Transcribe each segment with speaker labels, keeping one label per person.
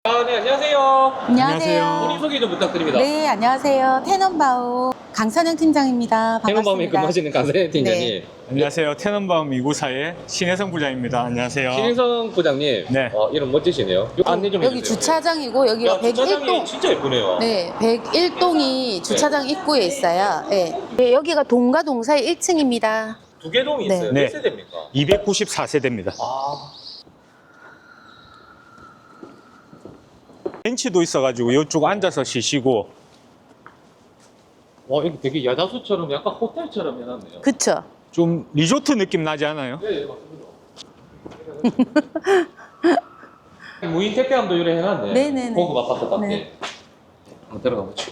Speaker 1: 네, 안녕하세요.
Speaker 2: 안녕하세요.
Speaker 1: 본인 소개 좀 부탁드립니다.
Speaker 2: 네, 안녕하세요. 테넌바우 강선영 팀장입니다.
Speaker 1: 테넌바움에
Speaker 2: 반갑습니다.
Speaker 1: 근무하시는 강선영 팀장님.
Speaker 2: 네.
Speaker 3: 안녕하세요. 테넌바움 294의 신혜성 부장입니다. 안녕하세요.
Speaker 1: 신혜성 부장님,
Speaker 3: 네.
Speaker 1: 이름 멋지시네요. 안내 좀
Speaker 2: 여기
Speaker 1: 해주세요.
Speaker 2: 주차장이고 여기가
Speaker 1: 주차장이
Speaker 2: 101동.
Speaker 1: 진짜 예쁘네요.
Speaker 2: 네, 101동이 주차장 입구에 있어요. 네. 네, 여기가 동과 동사의 1층입니다.
Speaker 1: 두 개 동이
Speaker 2: 네.
Speaker 1: 있어요.
Speaker 3: 네.
Speaker 1: 몇 세대입니까?
Speaker 3: 294세대입니다. 벤치도 있어가지고 이쪽 앉아서 쉬시고.
Speaker 1: 와, 여기 되게 야자수처럼 약간 호텔처럼 해놨네요.
Speaker 2: 그쵸?
Speaker 3: 좀 리조트 느낌 나지 않아요?
Speaker 1: 네, 맞습니다. 무인 택배함도 이래 해놨네.
Speaker 2: 네네네.
Speaker 1: 고급 아파트답게.
Speaker 2: 네.
Speaker 1: 한번 들어가 보죠.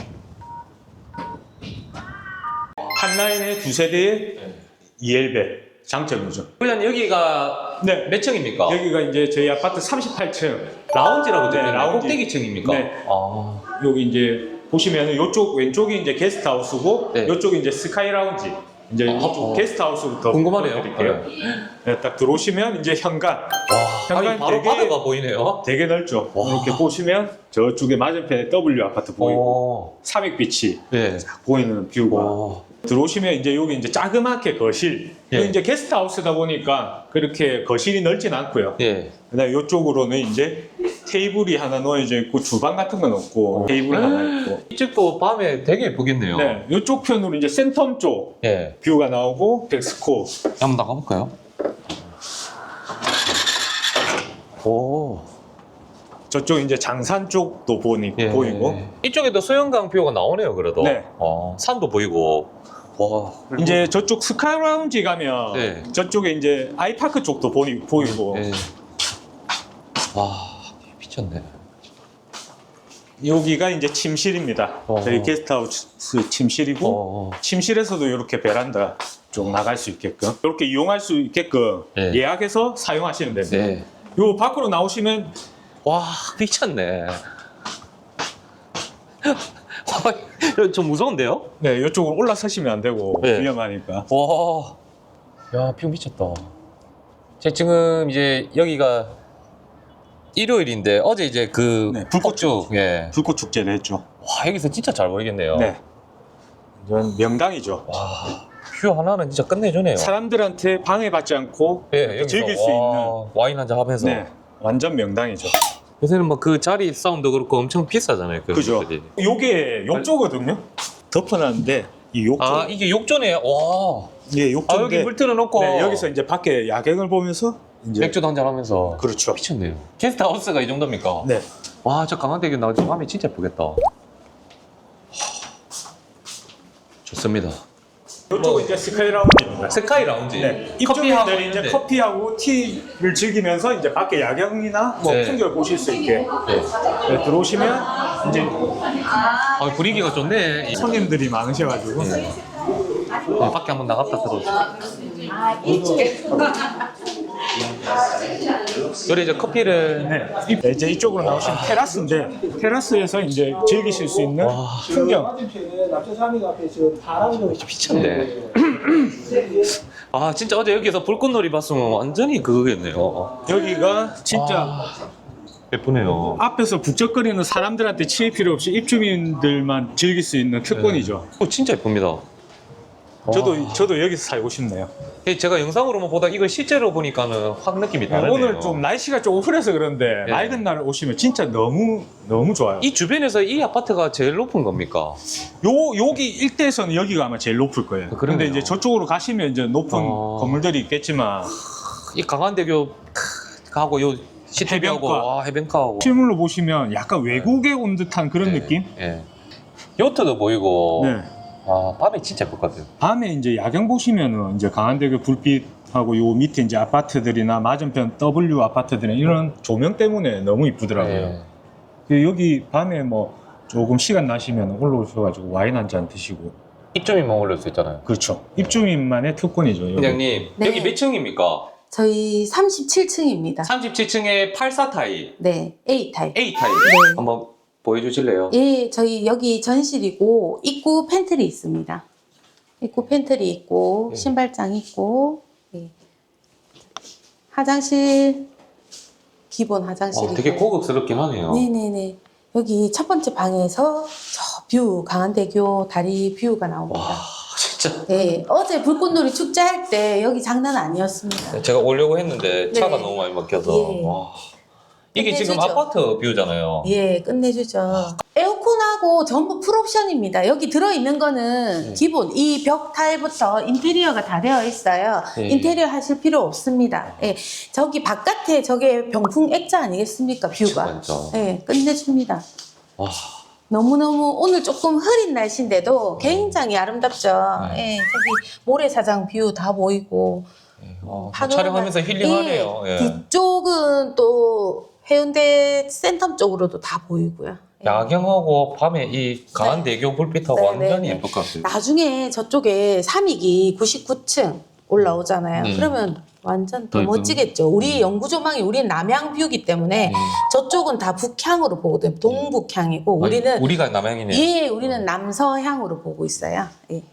Speaker 3: 한 라인에 두 세대의
Speaker 1: 네.
Speaker 3: EL배 장점이죠.
Speaker 1: 부장님, 여기가
Speaker 3: 네.
Speaker 1: 몇 층입니까?
Speaker 3: 여기가 이제 저희 아파트 38층.
Speaker 1: 라운지라고
Speaker 3: 네,
Speaker 1: 되어
Speaker 3: 라운지.
Speaker 1: 꼭대기층입니까?
Speaker 3: 네.
Speaker 1: 아.
Speaker 3: 여기 이제 보시면은 이쪽 왼쪽이 이제 게스트하우스고
Speaker 1: 네.
Speaker 3: 이쪽이 이제 스카이 라운지. 이제 이쪽 게스트하우스부터
Speaker 1: 궁금하네요.
Speaker 3: 보여드릴게요. 네, 딱 들어오시면 이제 현관.
Speaker 1: 와,
Speaker 3: 현관
Speaker 1: 아니, 바로
Speaker 3: 되게-
Speaker 1: 바다가 보이네요.
Speaker 3: 되게 넓죠.
Speaker 1: 와.
Speaker 3: 이렇게 보시면 저쪽에 맞은편에 W 아파트 보이고
Speaker 1: 오.
Speaker 3: 300빛이
Speaker 1: 네.
Speaker 3: 보이는 뷰가
Speaker 1: 와.
Speaker 3: 들어오시면 이제 여기 이제 자그맣게 거실.
Speaker 1: 예.
Speaker 3: 여기 이제 게스트하우스다 보니까 그렇게 거실이 넓진 않고요.
Speaker 1: 예.
Speaker 3: 그다음에 이쪽으로는 이제 테이블이 하나 놓여져 있고 주방 같은 건 없고 테이블 하나 있고.
Speaker 1: 이쪽도 밤에 되게 예쁘겠네요.
Speaker 3: 네, 이쪽 편으로 이제 센텀 쪽
Speaker 1: 예.
Speaker 3: 뷰가 나오고 덱스코.
Speaker 1: 한번 나가볼까요? 오.
Speaker 3: 저쪽 이제 장산 쪽도
Speaker 1: 예.
Speaker 3: 보이고.
Speaker 1: 이쪽에도 수영강 뷰가 나오네요, 그래도.
Speaker 3: 네.
Speaker 1: 산도 보이고. 와.
Speaker 3: 이제 저쪽 스카이 라운지 가면
Speaker 1: 네.
Speaker 3: 저쪽에 이제 아이파크 쪽도 보이고
Speaker 1: 예. 와, 미쳤네.
Speaker 3: 여기가 이제 침실입니다. 저희 게스트하우스 침실이고
Speaker 1: 어.
Speaker 3: 침실에서도 이렇게 베란다 쪽 나갈 수 있게끔 이렇게 이용할 수 있게끔
Speaker 1: 네.
Speaker 3: 예약해서 사용하시면 됩니다.
Speaker 1: 네.
Speaker 3: 요 밖으로 나오시면
Speaker 1: 와, 미쳤네. 좀 무서운데요?
Speaker 3: 네, 이쪽으로 올라서시면 안 되고
Speaker 1: 네.
Speaker 3: 위험하니까.
Speaker 1: 와, 야, 뷰 미쳤다. 제가 지금 이제 여기가 일요일인데 어제 이제 그
Speaker 3: 네, 불꽃
Speaker 1: 예.
Speaker 3: 불꽃 축제를 했죠.
Speaker 1: 와, 여기서 진짜 잘 보이겠네요.
Speaker 3: 네, 이건 명당이죠.
Speaker 1: 와, 뷰 하나는 진짜 끝내주네요.
Speaker 3: 사람들한테 방해받지 않고
Speaker 1: 예, 여기서
Speaker 3: 즐길 수 있는
Speaker 1: 와인 한잔 하면서.
Speaker 3: 네, 완전 명당이죠.
Speaker 1: 요새는 뭐 그 자리 싸움도 그렇고 엄청 비싸잖아요. 그
Speaker 3: 그죠?
Speaker 1: 것들이.
Speaker 3: 요게 욕조거든요. 덮어놨는데 이 욕조.
Speaker 1: 아, 이게 욕조네. 와.
Speaker 3: 예,
Speaker 1: 아,
Speaker 3: 욕조인데
Speaker 1: 여기 물 틀어놓고
Speaker 3: 네, 여기서 이제 밖에 야경을 보면서 이제
Speaker 1: 맥주도 한잔 하면서.
Speaker 3: 그렇죠.
Speaker 1: 미쳤네요. 게스트하우스가 이 정도입니까?
Speaker 3: 네.
Speaker 1: 와, 저 강원대교 나오지 밤이 진짜 예쁘겠다. 좋습니다.
Speaker 3: 이쪽은 이제 스카이 라운지입니다.
Speaker 1: 스카이 라운지.
Speaker 3: 네.
Speaker 1: 커피하고
Speaker 3: 입주민들이 이제
Speaker 1: 있는데.
Speaker 3: 커피하고 티를 즐기면서 이제 밖에 야경이나 뭐
Speaker 1: 네.
Speaker 3: 풍경을 보실 수 있게
Speaker 1: 네.
Speaker 3: 네, 들어오시면 이제
Speaker 1: 아, 분위기가 좋네.
Speaker 3: 손님들이 많으셔가지고
Speaker 1: 네, 밖에 한번 나갔다 들어오죠. 그래 이제 커피를
Speaker 3: 네. 이제 이쪽으로 나오시면 테라스인데 테라스에서 이제 즐기실 수 있는 풍경.
Speaker 4: 맞은편에 남천삼이 앞에 지금 바람도
Speaker 1: 미쳤네. 아, 진짜 어제 여기서 불꽃놀이 봤으면 완전히 그거겠네요.
Speaker 3: 여기가 진짜
Speaker 1: 아, 예쁘네요.
Speaker 3: 앞에서 북적거리는 사람들한테 치일 필요 없이 입주민들만 즐길 수 있는 특권이죠.
Speaker 1: 진짜 예쁩니다.
Speaker 3: 저도 여기서 살고 싶네요.
Speaker 1: 제가 영상으로만 보다 이걸 실제로 보니까는 확 느낌이 다르네요.
Speaker 3: 오늘 좀 날씨가 조금 흐려서 그런데
Speaker 1: 네.
Speaker 3: 맑은 날 오시면 진짜 너무 좋아요.
Speaker 1: 이 주변에서 이 아파트가 제일 높은 겁니까?
Speaker 3: 여기 일대에서는 여기가 아마 제일 높을 거예요.
Speaker 1: 그러네요.
Speaker 3: 그런데 이제 저쪽으로 가시면 이제 높은
Speaker 1: 어.
Speaker 3: 건물들이 있겠지만
Speaker 1: 이 강한대교 가고 요 시티뷰하고
Speaker 3: 해변가.
Speaker 1: 와, 해변가하고
Speaker 3: 실물로 보시면 약간 외국에 온 듯한 그런
Speaker 1: 네,
Speaker 3: 느낌?
Speaker 1: 예. 요트도 보이고
Speaker 3: 네.
Speaker 1: 아, 밤에 진짜 예쁠 것 같아요.
Speaker 3: 밤에 이제 야경 보시면은 이제 강한대교 불빛하고 요 밑에 이제 아파트들이나 맞은편 W 아파트들은 이런 조명 때문에 너무 이쁘더라고요.
Speaker 1: 예.
Speaker 3: 그 여기 밤에 뭐 조금 시간 나시면 올라오셔가지고 와인 한 잔 드시고.
Speaker 1: 입주민만 올릴 수 있잖아요.
Speaker 3: 그렇죠. 입주민만의 특권이죠. 여기.
Speaker 1: 부장님,
Speaker 2: 네.
Speaker 1: 여기 몇 층입니까?
Speaker 2: 저희 37층입니다.
Speaker 1: 37층에 84타입,
Speaker 2: 네, A타입.
Speaker 1: A타입.
Speaker 2: 네.
Speaker 1: 한번 보여주실래요?
Speaker 2: 예, 저희 여기 전실이고 입구 팬트리 있습니다. 입구 팬트리 있고
Speaker 1: 예.
Speaker 2: 신발장 있고 예. 화장실 기본 화장실이고.
Speaker 1: 되게 고급스럽긴 하네요.
Speaker 2: 네네네. 여기 첫 번째 방에서 저 뷰, 강한대교 다리 뷰가 나옵니다.
Speaker 1: 와, 진짜.
Speaker 2: 네, 어제 불꽃놀이 축제 할 때 여기 장난 아니었습니다.
Speaker 1: 제가 오려고 했는데 차가
Speaker 2: 네.
Speaker 1: 너무 많이 막혀서.
Speaker 2: 예.
Speaker 1: 와. 이게 지금
Speaker 2: 끝내주죠.
Speaker 1: 아파트 뷰잖아요.
Speaker 2: 예, 끝내주죠. 에어컨하고 전부 풀옵션입니다. 여기 들어있는 거는
Speaker 1: 네.
Speaker 2: 기본 이 벽 타일부터 인테리어가 다 되어 있어요.
Speaker 1: 네.
Speaker 2: 인테리어 하실 필요 없습니다. 예, 저기 바깥에 저게 병풍 액자 아니겠습니까? 뷰가.
Speaker 1: 맞죠.
Speaker 2: 예, 끝내줍니다.
Speaker 1: 와.
Speaker 2: 너무너무 오늘 조금 흐린 날씨인데도 굉장히 아름답죠.
Speaker 1: 네.
Speaker 2: 예, 저기 모래사장 뷰 다 보이고. 파노라마.
Speaker 1: 촬영하면서 힐링하네요.
Speaker 2: 예,
Speaker 1: 예.
Speaker 2: 뒤쪽은 또 해운대 센텀 쪽으로도 다 보이고요. 예.
Speaker 1: 야경하고 밤에 이 강한대교 불빛하고
Speaker 2: 네,
Speaker 1: 완전히
Speaker 2: 네,
Speaker 1: 예쁠 것 같아요.
Speaker 2: 나중에 저쪽에 3익이 99층 올라오잖아요.
Speaker 1: 네.
Speaker 2: 그러면 완전 더
Speaker 1: 더
Speaker 2: 멋지겠죠. 우리 영구 조망이 우리는 남향 뷰이기 때문에
Speaker 1: 네.
Speaker 2: 저쪽은 다 북향으로 보거든요. 동북향이고 우리는
Speaker 1: 우리가 남양이네요.
Speaker 2: 예, 우리는 남서향으로 보고 있어요. 예.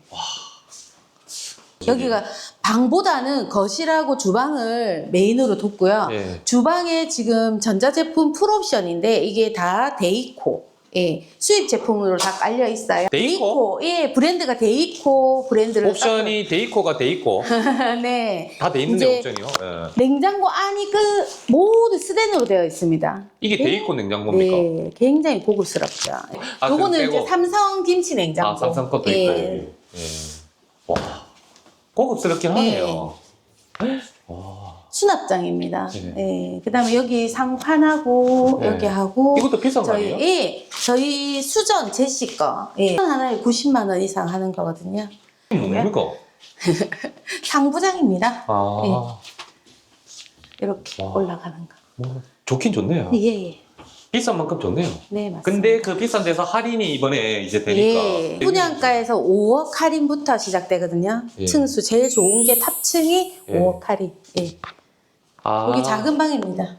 Speaker 2: 여기가 방보다는 거실하고 주방을 메인으로 뒀고요.
Speaker 1: 예.
Speaker 2: 주방에 지금 전자제품 풀옵션인데 이게 다 데이코. 예, 수입 제품으로 다 깔려 있어요.
Speaker 1: 데이코?
Speaker 2: 예, 브랜드가 데이코 브랜드를
Speaker 1: 옵션이 데이코가 데이코.
Speaker 2: 땄어요. 네.
Speaker 1: 다 돼 있는데
Speaker 2: 이제
Speaker 1: 옵션이요. 예.
Speaker 2: 냉장고 안이 모두 스텐으로 되어 있습니다.
Speaker 1: 이게 데이코 냉장고입니까?
Speaker 2: 네, 굉장히 고급스럽죠.
Speaker 1: 아,
Speaker 2: 요거는
Speaker 1: 그거 빼고?
Speaker 2: 이제 삼성 김치 냉장고.
Speaker 1: 아, 삼성 것도
Speaker 2: 예.
Speaker 1: 있다. 여기. 예. 와. 고급스럽긴 하네요.
Speaker 2: 수납장입니다.
Speaker 1: 네.
Speaker 2: 예. 그다음에 여기 상판하고
Speaker 1: 네.
Speaker 2: 여기 하고
Speaker 1: 이것도 비싼 거 아니에요?
Speaker 2: 예, 저희 수전 제시 거 예. 하나에 90만 원 이상 하는 거거든요.
Speaker 1: 뭡니까?
Speaker 2: 상부장입니다.
Speaker 1: 아,
Speaker 2: 이렇게
Speaker 1: 와.
Speaker 2: 올라가는 거.
Speaker 1: 뭐 좋긴 좋네요.
Speaker 2: 예, 예.
Speaker 1: 비싼 만큼 좋네요.
Speaker 2: 네, 맞습니다.
Speaker 1: 근데 그 비싼 데서 할인이 이번에 이제 되니까.
Speaker 2: 예. 분양가에서 5억 할인부터 시작되거든요.
Speaker 1: 예.
Speaker 2: 층수 제일 좋은 게 탑층이
Speaker 1: 예.
Speaker 2: 5억 할인. 예.
Speaker 1: 아.
Speaker 2: 여기 작은 방입니다.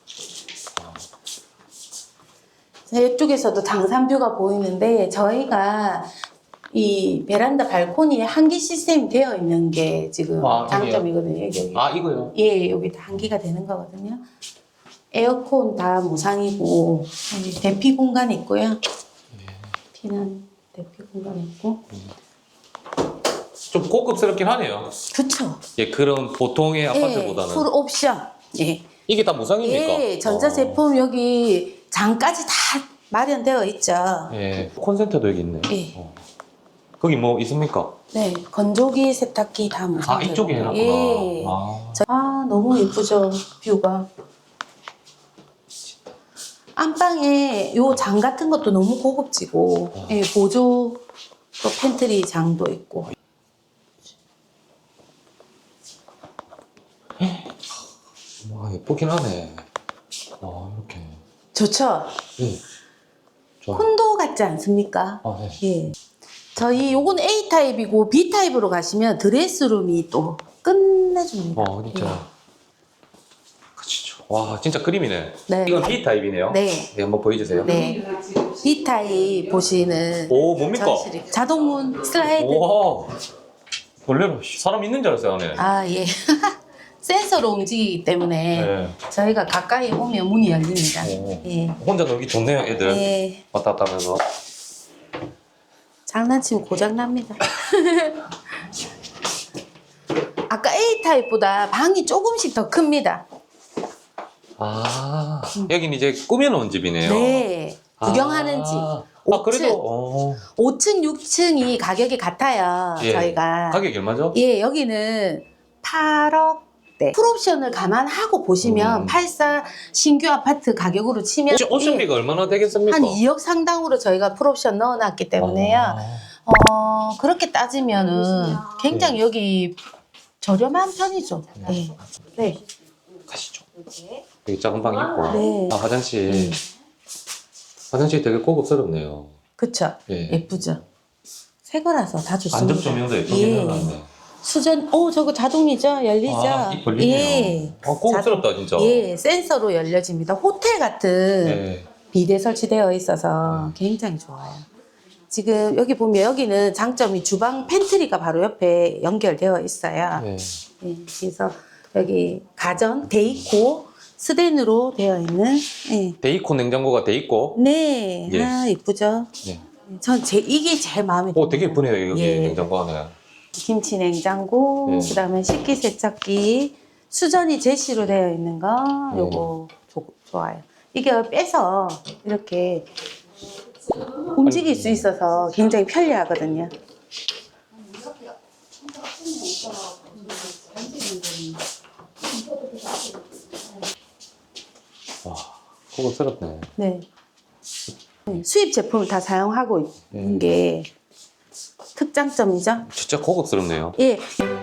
Speaker 2: 자, 이쪽에서도 장산뷰가 보이는데 저희가 이 베란다 발코니에 한기 시스템이 되어 있는 게 지금
Speaker 1: 아,
Speaker 2: 장점이거든요. 여기.
Speaker 1: 아, 이거요?
Speaker 2: 예, 여기 다 한기가 되는 거거든요. 에어컨 다 무상이고 여기 대피 공간 있고요. 피난 대피 공간 있고.
Speaker 1: 좀 고급스럽긴 하네요.
Speaker 2: 그쵸?
Speaker 1: 예, 그런 보통의
Speaker 2: 예,
Speaker 1: 아파트보다는.
Speaker 2: 풀 옵션. 예.
Speaker 1: 이게 다 무상입니까?
Speaker 2: 예, 전자제품 여기 장까지 다 마련되어 있죠.
Speaker 1: 예, 콘센트도 여기 있네.
Speaker 2: 예.
Speaker 1: 거기 뭐 있습니까?
Speaker 2: 네, 건조기, 세탁기 다 무상.
Speaker 1: 아, 이쪽에 해놨구나.
Speaker 2: 예.
Speaker 1: 아.
Speaker 2: 너무 예쁘죠, 뷰가. 안방에 요 장 같은 것도 너무 고급지고, 예, 보조 또 팬트리 장도 있고.
Speaker 1: 와, 예쁘긴 하네. 아, 이렇게.
Speaker 2: 좋죠?
Speaker 1: 예. 좋아.
Speaker 2: 콘도 같지 않습니까?
Speaker 1: 아, 네.
Speaker 2: 예. 저희 요건 A타입이고 B타입으로 가시면 드레스룸이 또 끝내줍니다.
Speaker 1: 와, 진짜. 그치죠. 와, 진짜 그림이네.
Speaker 2: 네.
Speaker 1: 이건 B타입이네요.
Speaker 2: 네.
Speaker 1: 네, 한번 보여주세요.
Speaker 2: 네. B타입 보시는
Speaker 1: 오, 뭡니까?
Speaker 2: 전실이 자동문 슬라이드.
Speaker 1: 와. 원래는 사람 있는 줄 알았어요, 안에.
Speaker 2: 아, 예. 센서로 움직이기 때문에
Speaker 1: 네.
Speaker 2: 저희가 가까이 오면 문이 열립니다.
Speaker 1: 오.
Speaker 2: 예.
Speaker 1: 혼자 놀기 좋네요, 애들.
Speaker 2: 예.
Speaker 1: 왔다 갔다 하면서.
Speaker 2: 장난치면 고장납니다. 아까 A타입보다 방이 조금씩 더 큽니다.
Speaker 1: 아, 여기는 이제 꾸며놓은 집이네요.
Speaker 2: 네. 구경하는 집.
Speaker 1: 아,
Speaker 2: 5층.
Speaker 1: 그래도,
Speaker 2: 5층, 6층이 가격이 같아요.
Speaker 1: 예.
Speaker 2: 저희가.
Speaker 1: 가격이 얼마죠?
Speaker 2: 예, 여기는 8억대. 풀옵션을 감안하고 보시면 84 신규 아파트 가격으로 치면
Speaker 1: 혹시 옵션비가 얼마나 되겠습니까?
Speaker 2: 한 2억 상당으로 저희가 풀옵션 넣어놨기 때문에요. 그렇게 따지면은 굉장히 여기 저렴한 편이죠. 네. 네.
Speaker 1: 가시죠. 여기 작은 방이 있고.
Speaker 2: 네.
Speaker 1: 아, 화장실. 화장실이 되게 고급스럽네요.
Speaker 2: 그쵸.
Speaker 1: 예.
Speaker 2: 예쁘죠. 새 거라서 다 좋습니다.
Speaker 1: 안적 조명도 예쁘게
Speaker 2: 예.
Speaker 1: 해놨네.
Speaker 2: 수전, 저거 자동이죠? 열리죠?
Speaker 1: 아, 이 걸리네요.
Speaker 2: 예.
Speaker 1: 고급스럽다, 진짜.
Speaker 2: 예, 센서로 열려집니다. 호텔 같은
Speaker 1: 예.
Speaker 2: 비대 설치되어 있어서 굉장히 좋아요. 지금 여기 보면 여기는 장점이 주방 팬트리가 바로 옆에 연결되어 있어요.
Speaker 1: 네.
Speaker 2: 예, 그래서 여기 가전, 데이코, 스댄으로 되어 있는. 예.
Speaker 1: 데이콘 냉장고가 돼 있고.
Speaker 2: 네,
Speaker 1: 예.
Speaker 2: 아 이쁘죠.
Speaker 1: 네.
Speaker 2: 이게 제일 마음에 들어요.
Speaker 1: 오, 되게 예쁘네요, 여기
Speaker 2: 예.
Speaker 1: 냉장고 안에.
Speaker 2: 김치 냉장고,
Speaker 1: 예.
Speaker 2: 그다음에 식기세척기, 수전이 제시로 되어 있는 거,
Speaker 1: 예.
Speaker 2: 요거 좋아요. 이게 빼서 이렇게 움직일 수 있어서 굉장히 편리하거든요.
Speaker 1: 와, 고급스럽네.
Speaker 2: 네. 수입 제품을 다 사용하고 있는 게 특장점이죠.
Speaker 1: 진짜 고급스럽네요.
Speaker 2: 예.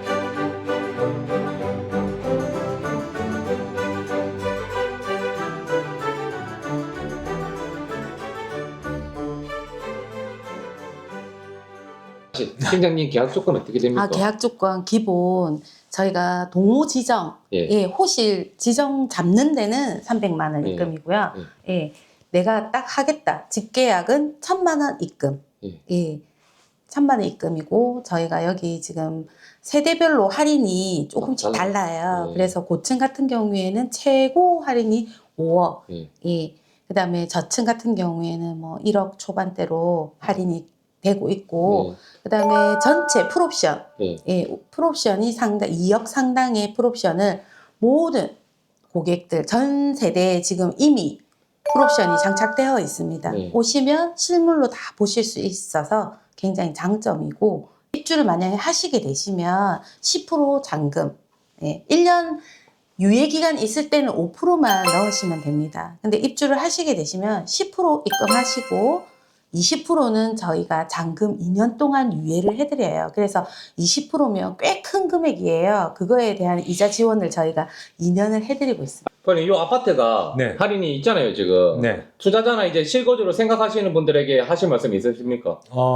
Speaker 1: 팀장님 계약 조건 어떻게 됩니까?
Speaker 2: 계약 조건 기본 저희가 동호 지정,
Speaker 1: 예.
Speaker 2: 호실 지정 잡는 데는 300만 원
Speaker 1: 예.
Speaker 2: 입금이고요. 예. 내가 딱 하겠다. 직계약은 1,000만 원 입금.
Speaker 1: 예.
Speaker 2: 예. 1,000만 원 입금이고 저희가 여기 지금 세대별로 할인이 조금씩 달라요.
Speaker 1: 예.
Speaker 2: 그래서 고층 같은 경우에는 최고 할인이 5억.
Speaker 1: 예.
Speaker 2: 예. 그다음에 저층 같은 경우에는 뭐 1억 초반대로 할인이 되고 있고 그다음에 전체 풀옵션,
Speaker 1: 네.
Speaker 2: 예, 풀옵션이 2억 상당의 풀옵션을 모든 고객들 전 세대에 지금 이미 풀옵션이 장착되어 있습니다.
Speaker 1: 네.
Speaker 2: 오시면 실물로 다 보실 수 있어서 굉장히 장점이고 입주를 만약에 하시게 되시면 10% 잔금, 예, 1년 유예 기간 있을 때는 5%만 넣으시면 됩니다. 근데 입주를 하시게 되시면 10% 입금하시고 20%는 저희가 잔금 2년 동안 유예를 해드려요. 그래서 20%면 꽤 큰 금액이에요. 그거에 대한 이자 지원을 저희가 2년을 해드리고 있습니다.
Speaker 1: 아니, 이 아파트가
Speaker 3: 네.
Speaker 1: 할인이 있잖아요, 지금.
Speaker 3: 네.
Speaker 1: 투자자나 이제 실거주로 생각하시는 분들에게 하실 말씀 있으십니까?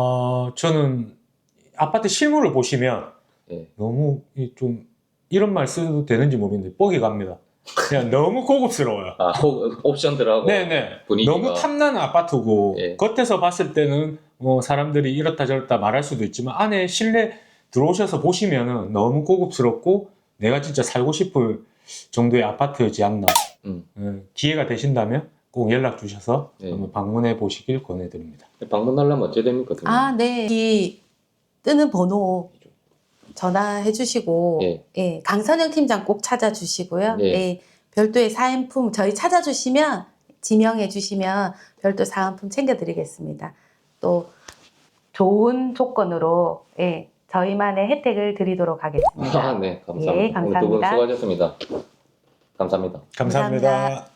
Speaker 3: 저는 아파트 실물을 보시면
Speaker 1: 예.
Speaker 3: 너무 좀 이런 말 써도 되는지 모르겠는데 뻑이 갑니다. 그냥 너무 고급스러워요.
Speaker 1: 옵션들하고.
Speaker 3: 네네.
Speaker 1: 분위기가.
Speaker 3: 너무 탐나는 아파트고
Speaker 1: 예.
Speaker 3: 겉에서 봤을 때는 뭐 사람들이 이렇다 저렇다 말할 수도 있지만 안에 실내 들어오셔서 보시면은 너무 고급스럽고 내가 진짜 살고 싶을 정도의 아파트이지 않나. 기회가 되신다면 꼭 연락 주셔서
Speaker 1: 예.
Speaker 3: 한번 방문해 보시길 권해드립니다.
Speaker 1: 방문하려면 어째 됩니까?
Speaker 2: 네. 이 뜨는 번호 전화해 주시고 예, 강선영 팀장 꼭 찾아주시고요.
Speaker 1: 예.
Speaker 2: 예, 별도의 사은품 저희 찾아주시면 지명해 주시면 별도 사은품 챙겨드리겠습니다. 또 좋은 조건으로 예, 저희만의 혜택을 드리도록 하겠습니다.
Speaker 1: 네, 감사합니다.
Speaker 2: 예, 감사합니다.
Speaker 1: 오늘 두 분 수고하셨습니다. 감사합니다.
Speaker 3: 감사합니다.